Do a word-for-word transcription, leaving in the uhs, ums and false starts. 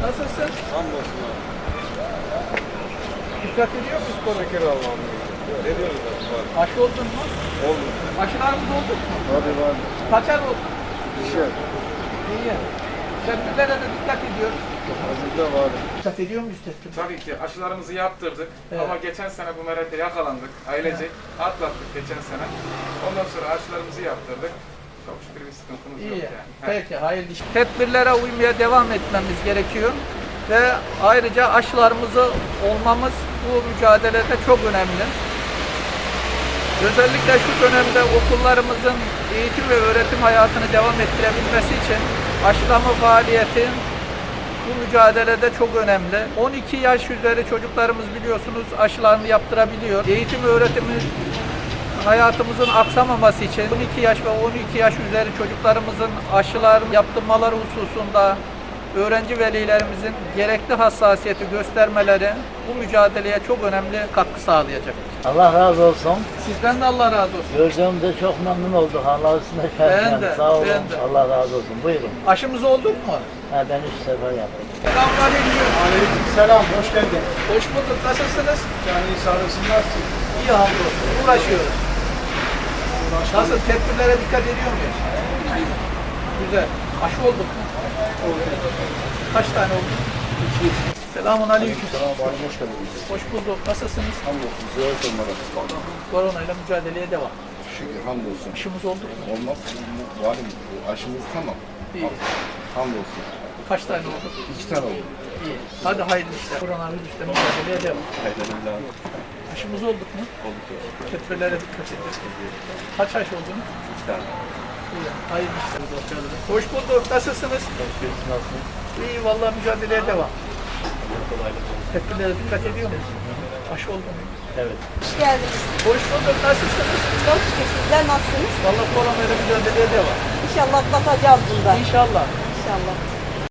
Nasılsın? Hamdolsun abi. Dikkat ediyor musun spora? Şeker Allah'ım. Ediyoruz abi. Var. Aşı oldun mu? Oldu. Aşılarımız oldu mu? Hadi var. Kaçar oldu? İşe. İyi. Tedbirlere de dikkat ediyoruz. Hazırda var. Dikkat ediyor muyuz tedbirlere? Tabii ki aşılarımızı yaptırdık Evet. ama geçen sene bu merete yakalandık, ailecek atlattık geçen sene. Ondan sonra aşılarımızı yaptırdık. Çok şükür bir sıkıntımız yok İyi. yani. Peki, hayırlı iş. Tedbirlere uymaya devam etmemiz gerekiyor. Ve ayrıca aşılarımızı olmamız bu mücadelede çok önemli. Özellikle şu dönemde okullarımızın eğitim ve öğretim hayatını devam ettirebilmesi için aşılama faaliyeti bu mücadelede çok önemli. on iki yaş üzeri çocuklarımız biliyorsunuz aşılarını yaptırabiliyor. Eğitim öğretimi hayatımızın aksamaması için on iki yaş ve on iki yaş üzeri çocuklarımızın aşılarını yaptırmaları hususunda öğrenci velilerimizin gerekli hassasiyeti göstermeleri bu mücadeleye çok önemli katkı sağlayacaktır. Allah razı olsun. Sizden de Allah razı olsun. Gördüğümde çok memnun olduk. Allah üstüne Ben şerh. de, Sağ olun. ben de. Allah razı olsun. Buyurun. Aşımız olduk mu? Ha, ben üç sefer yaptım. Selamünaleyküm. Aleykümselam. Hoş geldin. Hoş bulduk. Nasılsınız? Yani sağlığınız nasıl? İyi hamdolsun. Uğraşıyoruz. Nasıl? Tedbirlere dikkat ediyor muyuz? Güzel. Aşı olduk mu? Oldu. Kaç tane oldu? İki. Selamun aleyküm. Selam abi. Hoş geldiniz. Hoş bulduk. Nasılsınız? Hamdolsun. Ziyaret olmadan. Koronayla mücadeleye devam. Şükür. Hamdolsun. Aşımız oldu mu? Olmaz. Var mı? Aşımız tamam. İyi. Hamdolsun. Kaç tane oldu? İki tane oldu. İyi. Hadi hayırlı işler. Koronavirüsle mücadeleye devam. Hayırlı Aşımız olduk mu? olduk. Tedbirlere dikkat edin. Kaç aş oldunuz? İki tane. İyi. Hayırlı işler. Hoş bulduk. Nasılsınız? İyi. Vallahi mücadeleye devam. Tedbirlere dikkat ediyor musunuz? Aşı oldu mu? Evet. Hoş geldiniz. Hoş bulduk. Nasılsınız? Çok şükür sizler nasılsınız? Vallahi koronayla mücadeleye devam. İnşallah atlatacağız bundan. İnşallah. İnşallah.